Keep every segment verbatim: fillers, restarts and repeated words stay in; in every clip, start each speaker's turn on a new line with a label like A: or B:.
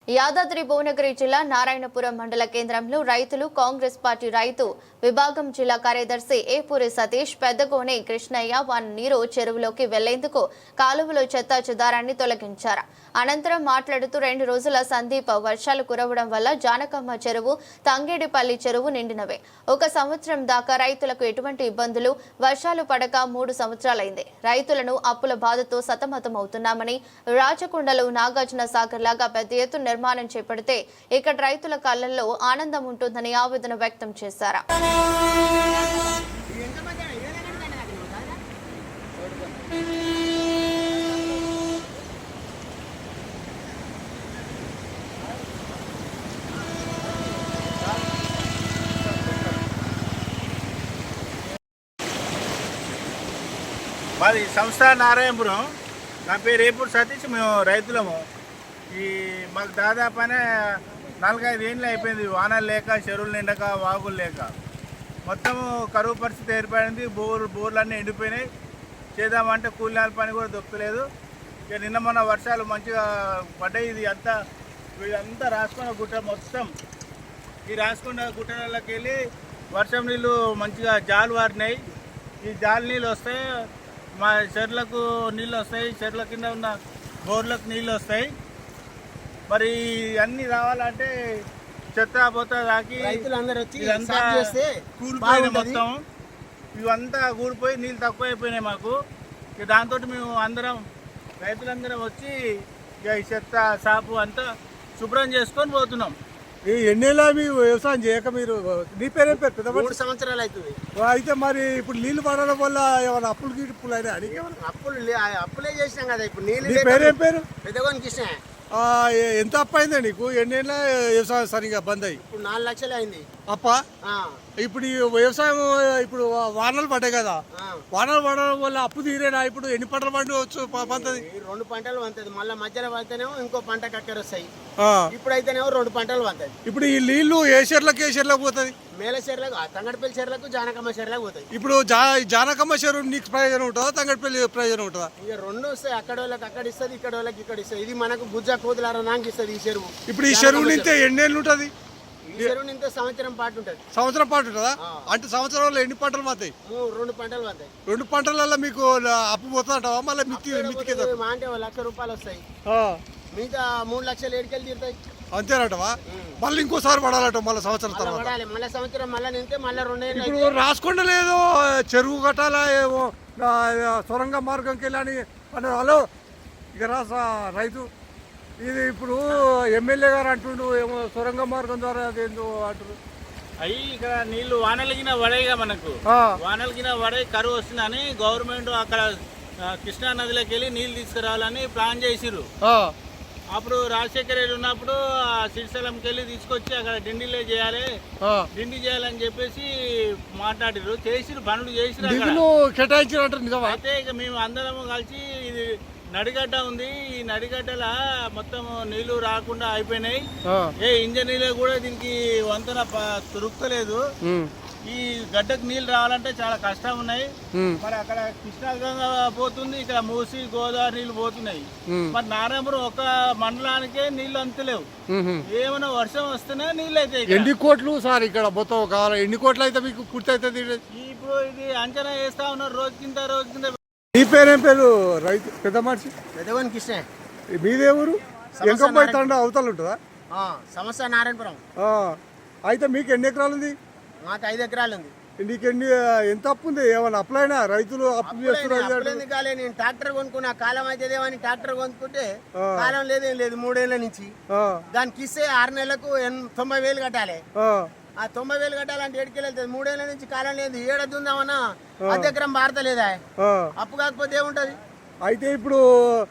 A: యాదాద్రి భువనగిరి జిల్లా నారాయణపురం మండల కేంద్రంలో రైతులు కాంగ్రెస్ పార్టీ రైతు విభాగం జిల్లా కార్యదర్శి ఏపూరి సతీష్ పెద్దగోని కృష్ణయ్య వారి నీరు చెరువులోకి వెళ్లేందుకు కాలువలో చెత్త చెదారాన్ని తొలగించారు. అనంతరం మాట్లాడుతూ రెండు రోజుల సందీప వర్షాలు కురవడం వల్ల జానకమ్మ చెరువు, తంగేడిపల్లి చెరువు నిండినవే. ఒక సంవత్సరం దాకా రైతులకు ఎటువంటి ఇబ్బందులు, వర్షాలు పడక మూడు సంవత్సరాలైంది. రైతులను అప్పుల బాధతో సతమతమవుతున్నామని, రాచకొండలో నాగార్జున సాగర్ లాగా పెద్ద ఎత్తున నిర్మాణం చేపడితే ఇక్కడ రైతుల కళ్ళల్లో ఆనందం ఉంటుందని ఆవేదన వ్యక్తం చేశారు.
B: మాది సంస్థ నారాయణపురం. నా పేరు ఏపూరి సతీష్. మేము రైతులము. ఈ మాకు దాదాపు అనే నాలుగైదు ఏళ్ళు అయిపోయింది. వానలు లేక, చెరువులు నిండక, వాగులు లేక మొత్తము కరువు పరిస్థితి ఏర్పడింది. బోర్ బోర్లన్నీ ఎండిపోయినాయి. చేద్దామంటే కూలినాల పని కూడా దొరకలేదు. ఇక నిన్న మొన్న వర్షాలు మంచిగా పడ్డాయి. ఇది అంతా ఇదంతా రాసుకున్న గుట్ట మొత్తం ఈ రాసుకున్న గుట్టలకి వెళ్ళి వర్షం నీళ్ళు మంచిగా జాలు వారినాయి. ఈ జాలు నీళ్ళు వస్తాయి, మా చెర్లకు నీళ్ళు వస్తాయి, చెర్ల కింద ఉన్న బోర్లకు నీళ్ళు వస్తాయి. మరి అన్నీ రావాలంటే చెత్త పోతా తాకి ఇదంతా కూలిపోయింది. మొత్తం ఇవంతా కూడిపోయి నీళ్ళు తక్కువ అయిపోయినాయి మాకు. ఇక దాంతో మేము అందరం రైతులందరం వచ్చి ఇక ఈ చెత్త సాపు అంతా శుభ్రం చేసుకొని పోతున్నాం.
C: ఈ ఎన్నేళ్ళ మీ వ్యవసాయం చేయక మీరు? నీ పేరు పేరు పెద్ద
D: మూడు సంవత్సరాలు అవుతుంది.
C: అయితే మరి ఇప్పుడు నీళ్లు పడడం వల్ల ఏమైనా అప్పులు గిప్పులు అయినా?
D: అప్పులు అప్పులే చేసినాం కదా. ఇప్పుడు నీళ్ళు.
C: నీ పేరేం పేరు?
D: పెద్దగోని కృష్ణ.
C: ఎంత అప్పు అయిందా నీకు? ఎన్నేళ్ళ వ్యవసాయం సరిగా బంద్ అయ్యి?
D: ఇప్పుడు నాలుగు లక్షలు అయింది
C: అప్ప. ఇప్పుడు ఈ వ్యవసాయం ఇప్పుడు వానలు పడ్డాయి కదా, వానలు పడడం వల్ల అప్పు తీరేనా? ఇప్పుడు ఎన్ని పంటలు పండువచ్చు పంతది?
D: రెండు పంటలు పంతది. మళ్ళీ మధ్యలో పడితేనేమో ఇంకో పంట కక్కర వస్తాయి. ఇప్పుడైతేనేమో రెండు పంటలు పంతది.
C: ఇప్పుడు ఈ నీళ్లు ఏ చెర్లకు ఏ చెర్లకు పోతుంది?
D: మేల చెర్లకు, తంగడిపల్లి చెర్లకు, జానకమ్మ చెర్లకు పోతాయి.
C: ఇప్పుడు జా జానకమ్మ చెరువు నీకు ప్రయోజనం ఉంటుందా, తంగడిపల్లి ప్రయోజనం ఉంటుందా?
D: ఇక రెండు వస్తాయి. అక్కడ వాళ్ళకి అక్కడ ఇస్తుంది, ఇక్కడ వాళ్ళకి ఇక్కడ ఇస్తుంది. ఇది మనకు బుజ్జ కూతులారా నాకు ఇస్తుంది ఈ చెరువు.
C: ఇప్పుడు ఈ చెరువు నింతే ఎన్నేళ్ళు ఉంటుంది?
D: ఈ చెరువు నింతే సంవత్సరం పాటు ఉంటుంది.
C: సంవత్సరం పాటు ఉంటుందా? అంటే సంవత్సరంలో ఎన్ని పంటలు పోతాయి?
D: రెండు పంటలు పోతాయి.
C: రెండు పంటలలో మీకు అప్పు పోతుంటావా? మళ్ళీ మిత్తి
D: మా అంటే లక్ష రూపాయలు వస్తాయి. మిగతా మూడు లక్షలు ఏడుకెళ్ళి తీరుతాయి.
C: అంతేనటవా? మళ్ళీ ఇంకోసారి పడాలట మళ్ళీ సంవత్సరం తర్వాత?
D: పడాలి. మళ్ళీ సంవత్సరం మళ్ళీ నింతే మళ్ళీ రెండేళ్ళు.
C: ఇప్పుడు రాసుకుండా లేదు చెరువు కట్టాలా ఏమో సొరంగ మార్గంకి వెళ్ళని అన్నారు. హలో, ఇక రాసా రైతు ఇది ఇప్పుడు ఎమ్మెల్యే గారు అంటుండు ఏమో సొరంగ మార్గం ద్వారా అదేందో అంటారు.
B: అయ్యి ఇక్కడ నీళ్లు వానలకిన పడేగా, మనకు వానలకిన పడే కరువు వస్తుందని గవర్నమెంట్ అక్కడ కృష్ణా నదిలోకి వెళ్ళి నీళ్ళు తీసుకురావాలని ప్లాన్ చేసిర్రు. అప్పుడు రాజశేఖర రెడ్డి ఉన్నప్పుడు ఆ శ్రీశైలంకి వెళ్ళి తీసుకొచ్చి అక్కడ డిండిలే చేయాలి, డిండి చేయాలని చెప్పేసి మాట్లాడిరు. చేసిరు, పనులు చేసిరు. అయితే ఇక మేము అందరము కలిసి ఇది నడిగడ్డ ఉంది, ఈ నడిగడ్డల మొత్తం నీళ్లు రాకుండా అయిపోయినాయి. ఏ ఇంజనీర్లు కూడా దీనికి వంతెన దొరుకుతలేదు. ఈ గడ్డకు నీళ్లు రావాలంటే చాలా కష్టం ఉన్నాయి. మరి అక్కడ కృష్ణాగంగా పోతుంది, ఇక్కడ మూసి గోదావరి నీళ్లు పోతున్నాయి. మరి నారాయణపురం ఒక మండలానికే నీళ్లు అంతలేవు. ఏమైనా వర్షం వస్తేనే నీళ్ళు అయితే.
C: ఎన్ని కోట్లు సార్ ఇక్కడ మొత్తం కావాలి? ఎన్ని కోట్లు అయితే మీకు పూర్తి అవుతుంది?
B: ఇప్పుడు ఇది అంచనా వేస్తా ఉన్నారు రోజు కింద రోజు కింద.
C: నీ పేరేం పేరు? రైతు పెద్ద మనిషి.
D: పెద్దగోని కృష్ణ.
C: మీదే ఊరు? ఎంకంపై తండ అవతల ఉంటుందా?
D: సమస్య నారాయణపురం.
C: అయితే మీకు ఎన్ని ఎకరాలు ఉంది?
D: మాకు ఐదు ఎకరాలు ఉంది.
C: నీకు ఎన్ని ఎంత అప్పు ఉంది? ఏమన్నా అప్లైనా? రైతులు అప్పు చేస్తున్నారు.
D: కాలే, నేను ట్రాక్టర్ కొనుక్కున్నా. కాలం అయితేదేమని ట్రాక్టర్ కొనుక్కుంటే కాలం లేదేం లేదు. మూడేళ్ల నుంచి దానికి ఇస్తే ఆరు నెలలకు తొంభై వేలు కట్టాలి. ఆ తొంభై వేలు కట్టాలంటే ఏడుకెళ్ళి వెళ్తుంది. మూడేళ్ల నుంచి కాలం లేదు. ఏడాది ఉందామన్నా అర్ధ ఎకరం భారతలేదా? అప్పు కాకపోతే ఏముంటది?
C: అయితే ఇప్పుడు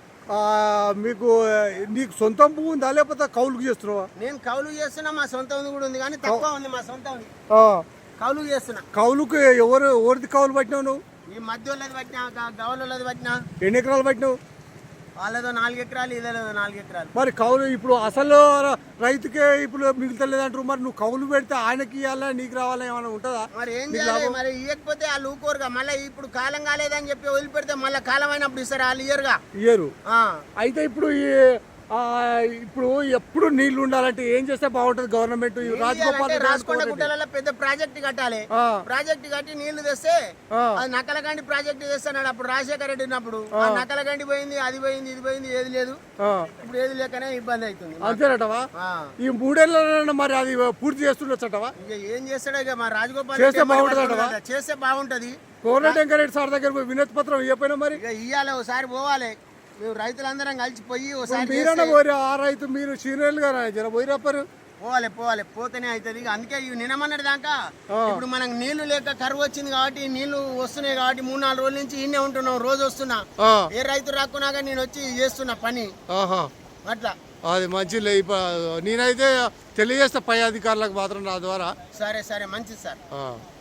C: మీకు నీకు సొంతం భూమి ఉందా లేకపోతే కౌలుకు చేస్తున్నావా?
D: నేను కౌలుకు చేస్తున్నా. మా సొంత ఉంది కూడా ఉంది, కానీ తక్కువ ఉంది. మా సొంత ఉంది, కౌలుకు చేస్తున్నా.
C: కౌలుకు ఎవరు ఎవరిది కౌలు పట్టినావు నువ్వు?
D: ఈ మధ్య వాళ్ళది పట్టినా, గౌలది పట్టినా.
C: ఎన్ని ఎకరాలు పట్టినావు?
D: వాళ్ళదో నాలుగు ఎకరాలు, ఇదేదో నాలుగు ఎకరాలు.
C: మరి కౌలు ఇప్పుడు అసలు రైతుకే ఇప్పుడు మిగులుతలేదంటారు. మరి నువ్వు కౌలు పెడితే ఆయనకి ఇవ్వాలా నీకు రావాలా ఏమైనా ఉంటుందా?
D: మరి ఏం చేయాలి? మరి ఇవ్వకపోతే వాళ్ళు ఊకోరుగా. మళ్ళీ ఇప్పుడు కాలం కాలేదని చెప్పి వదిలిపెడితే మళ్ళీ కాలం అయినప్పుడు ఇస్తారు. వాళ్ళు ఇయ్యరుగా,
C: ఇయ్యరు. అయితే ఇప్పుడు ఆ, ఇప్పుడు ఎప్పుడు నీళ్లు ఉండాలంటే ఏం చేస్తే బాగుంటది గవర్నమెంట్? ఈ రాజగోపాల్
D: అంటే
C: రెడ్డి
D: రాసుకొండ
C: అనుకోండి.
D: గుట్టలలో పెద్ద ప్రాజెక్ట్ కట్టాలి.
C: ఆ.
D: ప్రాజెక్ట్ కట్టి నీళ్లు తెస్తే
C: ఆ.
D: అది నకలగండి ప్రాజెక్ట్ తెస్తున్నాడు. అప్పుడు రాజశేఖర రెడ్డి ఉన్నప్పుడు ఆ నకలగండి పోయింది, అది పోయింది, ఇది పోయింది, ఏది లేదు.
C: ఆ,
D: ఇప్పుడు ఏది లేకనే ఇబ్బంది అవుతుంది.
C: అంతేనటవా?
D: ఆ.
C: ఈ మూడేళ్ళ మరి అది పూర్తి చేస్తుండొచ్చటవా?
D: ఇక ఏం చేస్తాడో ఇక మా రాజగోపాల్
C: చేస్తే
D: రెడ్డి
C: బాగుంటుందట
D: ఏమని
C: వా?
D: పడుతుందో చేస్తే బాగుంటది.
C: కోరటి వెంకరెడ్డి సార్ దగ్గర పోయి వినతి పత్రం ఇవ్వపోయినా మరి
D: ఇక ఇయ్యాలి, ఒకసారి పోవాలి. మేము రైతులందరం కలిసిపోయి ఒకసారి
C: మీరన్నా
D: చేస్తే
C: పోయి ఆ రైతు మీరు సీనియర్లు గారు జర పోయి రాపారు.
D: పోవాలి పోవాలి పోతేనే అవుతుంది. ఇక అందుకే ఇవి నినమన్నటి దాకా ఇప్పుడు మనకు నీళ్లు లేక కరువు వచ్చింది కాబట్టి నీళ్లు వస్తున్నాయి కాబట్టి మూడు నాలుగు రోజుల నుంచి ఇన్నే ఉంటున్నాం. రోజు వస్తున్నా,
C: ఆ,
D: ఏ రైతు రాకున్నాగా నేను వచ్చి చేస్తున్నా పని
C: ఆహా,
D: అట్లా.
C: అది మంచి నేనైతే తెలియజేస్తా పై అధికారులకు మాత్రం నా ద్వారా.
D: సరే సరే మంచిది సార్.
C: ఆ.